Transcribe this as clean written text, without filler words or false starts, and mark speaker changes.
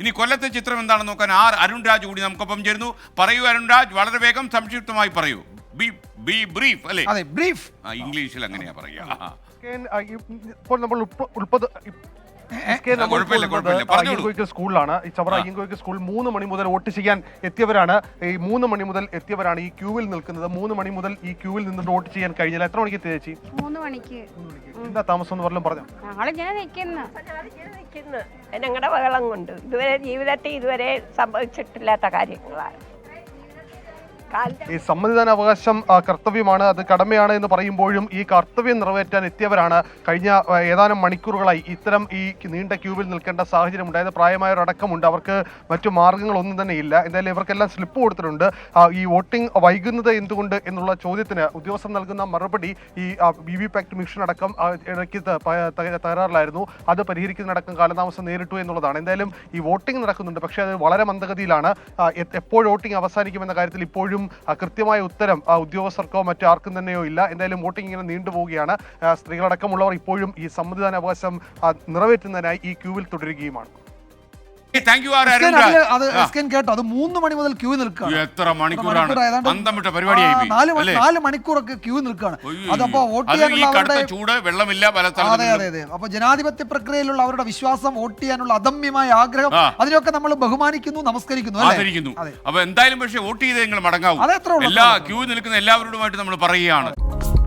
Speaker 1: ഇനി കൊല്ലത്തെ ചിത്രം എന്താണെന്ന് നോക്കാൻ അരുൺ രാജ് കൂടി നമുക്കൊപ്പം ചേരുന്നു. പറയൂ അരുൺ രാജ്, വളരെ വേഗം സംക്ഷിപ്തമായി പറയൂ. ബി ബ്രീഫ് അല്ലേ?
Speaker 2: അതെ, ബ്രീഫ്.
Speaker 1: ഇംഗ്ലീഷിൽ അങ്ങനെയാ പറയുക.
Speaker 3: ഇപ്പോൾ നമ്മൾ സ്കൂളിലാണ്. ഈ ചവറ അയ്യങ്കോയ്ക്ക് സ്കൂൾ 3 മണി മുതൽ വോട്ട് ചെയ്യാൻ എത്തിയവരാണ്. ഈ 3 മണി മുതൽ എത്തിയവരാണ് ഈ ക്യൂവിൽ നിൽക്കുന്നത്. 3 മണി മുതൽ ഈ ക്യൂവിൽ നിന്നിട്ട് വോട്ട് ചെയ്യാൻ കഴിഞ്ഞില്ല. എത്ര മണിക്ക് എത്തി ചേച്ചി?
Speaker 4: 3 മണിക്ക്.
Speaker 3: എന്താ താമസം എന്ന് പറഞ്ഞു?
Speaker 4: ഞങ്ങളിങ്ങനെ നിൽക്കുന്നു.
Speaker 5: ഞങ്ങളുടെ ബഹളം കൊണ്ട് ഇതുവരെ ജീവിതത്തിൽ ഇതുവരെ സംഭവിച്ചിട്ടില്ലാത്ത കാര്യങ്ങളാണ്.
Speaker 3: ഈ സമ്മതിദാനാവകാശം കർത്തവ്യമാണ്, അത് കടമയാണ് എന്ന് പറയുമ്പോഴും ഈ കർത്തവ്യം നിറവേറ്റാൻ എത്തിയവരാണ് കഴിഞ്ഞ ഏതാനും മണിക്കൂറുകളായി ഇത്തരം ഈ നീണ്ട ക്യൂവിൽ നിൽക്കേണ്ട സാഹചര്യം ഉണ്ടായത്. പ്രായമായവരടക്കമുണ്ട്. അവർക്ക് മറ്റു മാർഗങ്ങളൊന്നും തന്നെ ഇല്ല. എന്തായാലും ഇവർക്കെല്ലാം സ്ലിപ്പ് കൊടുത്തിട്ടുണ്ട്. ഈ വോട്ടിംഗ് വൈകുന്നത് എന്തുകൊണ്ട് എന്നുള്ള ചോദ്യത്തിന് ഉദ്യോഗസ്ഥർ നൽകുന്ന മറുപടി ഈ VVPAT മെഷീൻ അടക്കം ഇടയ്ക്ക് തകരാറിലായിരുന്നു, അത് പരിഹരിക്കുന്നതിനടക്കം കാലതാമസം നേരിട്ടു എന്നുള്ളതാണ്. എന്തായാലും ഈ വോട്ടിംഗ് നടക്കുന്നുണ്ട്, പക്ഷേ അത് വളരെ മന്ദഗതിയിലാണ്. എപ്പോൾ വോട്ടിംഗ് അവസാനിക്കുമെന്ന കാര്യത്തിൽ ഇപ്പോഴും കൃത്യമായ ഉത്തരം ഉദ്യോഗസ്ഥർക്കോ മറ്റാർക്കും തന്നെയോ ഇല്ല. എന്തായാലും വോട്ടിംഗ് ഇങ്ങനെ നീണ്ടുപോവുകയാണ്. സ്ത്രീകളടക്കമുള്ളവർ ഇപ്പോഴും ഈ സമ്മതിദാനാവകാശം നിറവേറ്റുന്നതിനായി ഈ ക്യൂവിൽ തുടരുകയുമാണ്.
Speaker 2: കേട്ടോ, അത് 3 മണി മുതൽ ക്യൂ നിൽക്കുകയാണ്.
Speaker 1: എത്ര മണിക്കൂറാണ്?
Speaker 2: 4 മണിക്കൂറൊക്കെ ക്യൂ നിൽക്കുകയാണ്. അതപ്പോ വോട്ട് ചെയ്യാനുള്ള
Speaker 1: ചൂട്, വെള്ളമില്ല.
Speaker 2: അതെ അതെ അതെ. അപ്പൊ ജനാധിപത്യ പ്രക്രിയയിലുള്ള അവരുടെ വിശ്വാസം, വോട്ട് ചെയ്യാനുള്ള അദമ്യമായ ആഗ്രഹം, അതിനൊക്കെ നമ്മൾ ബഹുമാനിക്കുന്നു, നമസ്കരിക്കുന്നു.
Speaker 1: അപ്പൊ എന്തായാലും പക്ഷേ വോട്ട് ചെയ്ത് നിങ്ങൾ മടങ്ങാവും. എല്ലാ ക്യൂ നിൽക്കുന്ന എല്ലാവരോടുമായിട്ട് നമ്മൾ പറയുകയാണ്.